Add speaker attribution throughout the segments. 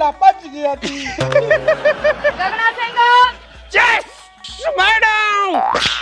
Speaker 1: ਭੋਲਾ ਭੱਜ ਗਿਆ ਸੀ।
Speaker 2: Gagna Singh
Speaker 3: yes madam.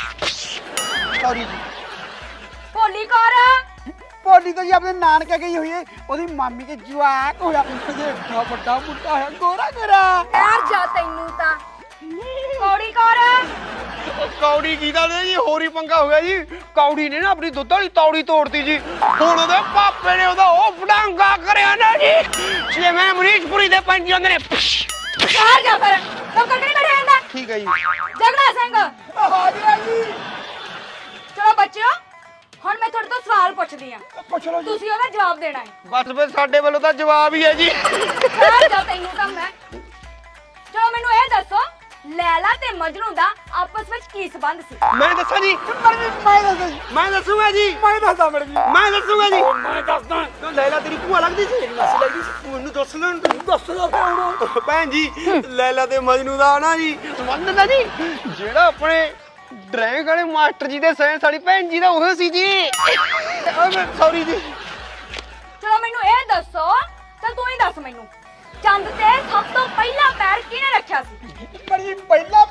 Speaker 1: Sorry ji.
Speaker 2: Bholi Kaur
Speaker 1: ਭੋਲੀ ਤਾਂ ਜੀ ਆਪਣੇ ਨਾਨਕੇ ਗਈ ਹੋਈ ਹੈ, ਉਹਦੀ ਮਾਮੀ ਕੇ ਜਵਾਕ ਹੋਇਆ, ਉਹਦੇ ਏਡਾ ਵੱਡਾ ਮੁੰਡਾ ਹੈ, ਗੋਰਾ ਗੋਰਾ।
Speaker 2: ਯਾਰ ਜਾ ਤੈਨੂੰ ਤਾਂ ਕੌੜੀ ਕੌਰ
Speaker 3: ਕੌੜੀ ਕੀਦਾ ਨੇ ਜੀ ਹੋਰੀ ਪੰਗਾ ਹੋ ਗਿਆ ਜੀ। ਕੌੜੀ ਨੇ ਨਾ ਆਪਣੀ ਦੁੱਧ ਵਾਲੀ ਤੌੜੀ ਤੋੜਤੀ ਜੀ। ਹੁਣ ਉਹਦੇ ਪਾਪੇ ਨੇ ਉਹਦਾ ਉਹ ਫੜਾਂਗਾ ਕਰਿਆ ਨਾ ਜੀ, ਜਿਵੇਂ ਮਰੀਸ਼ਪੁਰੀ ਦੇ ਪੰਜ ਜਾਂਦੇ ਨੇ।
Speaker 2: ਯਾਰ ਜਾ ਫਿਰ ਤੂੰ ਕੱਢ ਨਹੀਂ ਕੱਢਿਆ ਜਾਂਦਾ।
Speaker 3: ਠੀਕ ਹੈ ਜੀ।
Speaker 2: ਗਗਨਾ ਸਿੰਘ
Speaker 1: ਹਾਂਜੀ।
Speaker 2: ਚਲੋ ਬੱਚਿਓ ਹੁਣ ਮੈਂ ਤੁਹਾਡੇ ਤੋਂ ਸਵਾਲ ਪੁੱਛਦੀ ਆ,
Speaker 1: ਪੁੱਛ ਲਓ ਜੀ।
Speaker 2: ਤੁਸੀਂ ਉਹਦਾ ਜਵਾਬ ਦੇਣਾ ਹੈ।
Speaker 3: ਬਸ ਫਿਰ ਸਾਡੇ ਵੱਲੋਂ ਤਾਂ ਜਵਾਬ ਹੀ ਹੈ ਜੀ।
Speaker 2: ਯਾਰ ਜਾ ਤੈਨੂੰ ਤਾਂ ਮੈਂ। ਚਲੋ ਮੈਨੂੰ ਇਹ ਦੱਸੋ ਲੈਲਾ ਤੇ ਮਜਨੂ ਦਾ ਆਪਸ ਵਿੱਚ ਕੀ ਸੰਬੰਧ ਸੀ?
Speaker 3: ਮੈਂ ਦੱਸਾਂ ਜੀ। ਮੈਂ ਦੱਸੂਗਾ ਜੀ।
Speaker 1: ਮੈਂ ਦੱਸਦਾ ਮੈਡਮ ਜੀ।
Speaker 3: ਮੈਂ ਦੱਸੂਗਾ ਜੀ।
Speaker 1: ਮੈਂ ਦੱਸਦਾ।
Speaker 3: ਤੂੰ ਲੈਲਾ ਤੇਰੀ ਭੂਆ ਲੱਗਦੀ ਸੀ?
Speaker 1: ਨਸ ਲੱਗਦੀ ਸੀ।
Speaker 3: ਮੈਨੂੰ ਦੱਸ ਲੈਣ ਤੂੰ।
Speaker 1: ਦੱਸ ਦੋ ਹੁਣ।
Speaker 3: ਭੈਣ ਜੀ ਲੈਲਾ ਤੇ ਮਜਨੂ ਦਾ ਨਾ ਜੀ ਸੰਬੰਧ ਨਾ ਜੀ, ਜਿਹੜਾ ਆਪਣੇ ਡਰਾਇੰਗ ਵਾਲੇ ਮਾਸਟਰ ਜੀ ਦੇ ਸਾਇੰਸ ਵਾਲੀ ਭੈਣ ਜੀ ਦਾ ਉਹ ਸੀ ਜੀ। ਸੌਰੀ ਜੀ।
Speaker 2: ਚਲੋ ਮੈਨੂੰ ਇਹ ਦੱਸੋ ਤਾਂ ਤੂੰ ਹੀ ਦੱਸ ਮੈਨੂੰ, ਚੰਦ ਤੇ ਸਭ ਤੋਂ ਪਹਿਲਾ ਪੈਰ ਕਿਹਨੇ ਰੱਖਿਆ ਸੀ?
Speaker 1: ਪਰ ਜੀ ਪਹਿਲਾ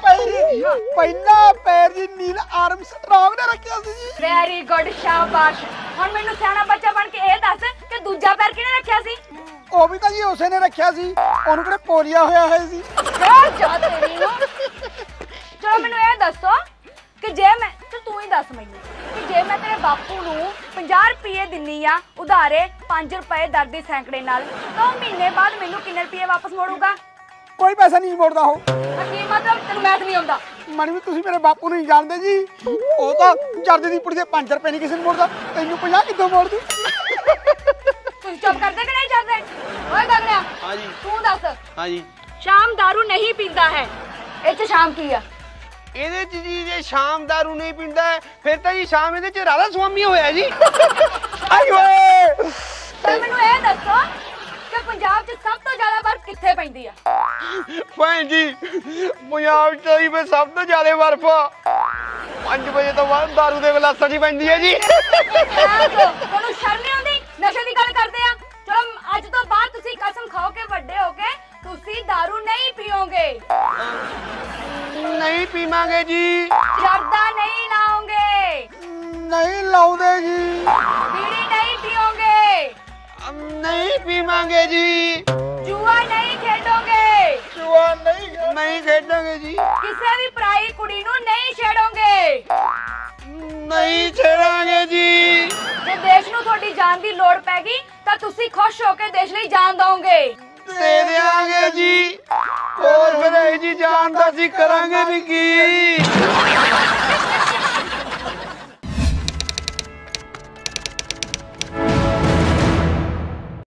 Speaker 1: ਪੈਰ ਜੀ ਨੀਲ ਆਰਮਸਟਰਾਂਗ ਨੇ ਰੱਖਿਆ ਸੀ ਜੀ।
Speaker 2: ਵੈਰੀ ਗੁੱਡ ਸ਼ਾਬਾਸ਼। ਹੁਣ ਮੈਨੂੰ ਸਿਆਣਾ ਬੱਚਾ ਬਣ ਕੇ ਇਹ ਦੱਸ ਕਿ ਦੂਜਾ ਪੈਰ ਕਿਹਨੇ ਰੱਖਿਆ ਸੀ?
Speaker 1: ਉਹ ਵੀ ਤਾਂ ਜੀ ਉਸੇ ਨੇ ਰੱਖਿਆ ਸੀ, ਉਹਨੂੰ ਕਿਹੜੇ ਪੋਲੀਆ ਹੋਇਆ ਹੈ ਸੀ।
Speaker 2: ਜਾ ਤੇਰੀ ਨੂੰ। ਚਲੋ ਮੈਨੂੰ ਇਹ ਦੱਸੋ ਕਿ ਜੇ ਮੈਂ ਤੂੰ ਹੀ ਦੱਸ ਮੈਨੂੰ ਕਿ ਜੇ ਮੈਂ ਤੇਰੇ ਬਾਪੂ ਨੂੰ 50 ਰੁਪਏ ਦਿੰਨੀ ਆ ਉਧਾਰੇ 5 ਰੁਪਏ ਦਰ ਦੇ ਸੈਂਕੜੇ ਨਾਲ, ਤਾਂ ਉਹ ਮਹੀਨੇ ਬਾਅਦ ਮੈਨੂੰ ਕਿੰਨੇ ਰੁਪਏ ਵਾਪਸ ਮੋੜੂਗਾ?
Speaker 1: ਕੋਈ ਪੈਸਾ ਨਹੀਂ ਮੋੜਦਾ ਉਹ।
Speaker 2: ਕੀ ਮਤਲਬ? ਤੈਨੂੰ ਮੈਥ ਨਹੀਂ ਆਉਂਦਾ?
Speaker 1: ਮਣੀ ਵੀ ਤੁਸੀਂ ਮੇਰੇ ਬਾਪੂ ਨੂੰ ਨਹੀਂ ਜਾਣਦੇ ਜੀ, ਉਹ ਤਾਂ ਜਰਦੇ ਦੀ ਪੁੜੀ ਦੇ 5 ਰੁਪਏ ਨਹੀਂ ਕਿਸੇ ਨੂੰ ਮੋੜਦਾ, ਤੈਨੂੰ 50 ਕਿੱਦੋਂ ਮੋੜ ਦੂ?
Speaker 2: ਤੁਸੀਂ ਚੁੱਪ ਕਰਦੇ ਕਿ ਨਹੀਂ ਕਰਦੇ? ਓਏ ਗਗਨਿਆ
Speaker 3: ਹਾਂ ਜੀ।
Speaker 2: ਤੂੰ ਦੱਸ।
Speaker 3: ਹਾਂ ਜੀ।
Speaker 2: ਸ਼ਾਮ दारू ਨਹੀਂ ਪੀਂਦਾ ਹੈ, ਇਹ ਚ ਸ਼ਾਮ ਕੀ ਆ?
Speaker 3: ਇਹਦੇ ਚ ਜੀ ਜੇ ਸ਼ਾਮ ਦਾਰੂ ਨਹੀਂ ਪੀਂਦਾ ਫਿਰ ਤਾਂ ਜੀ ਸ਼ਾਮ ਇਹਦੇ ਚ ਰਾਧਾ ਸੁਆਮੀ ਹੋਇਆ ਜੀ। ਆਈ ਓਏ।
Speaker 2: ਤਾਂ ਮੈਨੂੰ ਇਹ ਦੱਸੋ ਕਿ ਪੰਜਾਬ 'ਚ ਸਭ ਤੋਂ ਜ਼ਿਆਦਾ ਬਰਫ਼ ਕਿੱਥੇ ਪੈਂਦੀ ਆ?
Speaker 3: ਭੈਣ ਜੀ ਪੰਜਾਬ ਚ ਹੀ ਫਿਰ ਸਭ ਤੋਂ ਜ਼ਿਆਦਾ ਬਰਫ਼ 5 ਵਜੇ ਤੋਂ ਬਾਅਦ ਦਾਰੂ ਦੇ ਗਲਾਸਾਂ 'ਚ ਪੈਂਦੀ ਹੈ ਜੀ।
Speaker 2: ਤੁਹਾਨੂੰ ਸ਼ਰਮ ਨਹੀਂ ਆਉਂਦੀ? ਨਸ਼ੇ ਦੀ ਗੱਲ ਕਰਦੇ ਆ। ਚਲੋ ਅੱਜ ਤੋਂ ਬਾਅਦ ਤੁਸੀਂ ਕਸਮ ਖਾਓ ਕਿ ਵੱਡੇ ਹੋ ਕੇ ਤੁਸੀਂ ਦਾਰੂ ਨਹੀਂ ਪੀਓਗੇ।
Speaker 3: ਨਹੀਂ ਪੀਵਾਂਗੇ ਜੀ।
Speaker 2: ਜਰਦਾ ਨਹੀਂ ਲਾਓਗੇ।
Speaker 1: ਨਹੀਂ ਲਾਉਂਦੇ ਜੀ।
Speaker 2: ਬੀੜੀ ਨਹੀਂ ਪੀਓਗੇ।
Speaker 3: ਨਹੀਂ ਪੀਵਾਂਗੇ ਜੀ।
Speaker 2: ਜੂਆ ਨਹੀਂ ਖੇਡੋਗੇ।
Speaker 1: ਜੁਆ
Speaker 3: ਨਹੀਂ ਖੇਡਾਂਗੇ ਜੀ।
Speaker 2: ਕਿਸੇ ਵੀ ਪਰਾਈ ਕੁੜੀ ਨੂੰ ਨਹੀਂ ਛੇੜੋਗੇ।
Speaker 3: ਨਹੀਂ ਛੇੜਾਂਗੇ ਜੀ।
Speaker 2: ਜੇ ਦੇਸ਼ ਨੂੰ ਤੁਹਾਡੀ ਜਾਨ ਦੀ ਲੋੜ ਪੈ ਗਈ ਤਾਂ ਤੁਸੀਂ ਖੁਸ਼ ਹੋ ਕੇ ਦੇਸ਼ ਲਈ ਜਾਨ ਦਓਗੇ।
Speaker 3: ਦੇ ਦਿਆਂਗੇ ਜੀ। ਹੋਰ ਫਿਰ ਇਹ ਜੀ ਜਾਨ ਦਾ ਅਸੀਂ ਕਰਾਂਗੇ ਵੀ ਕੀ?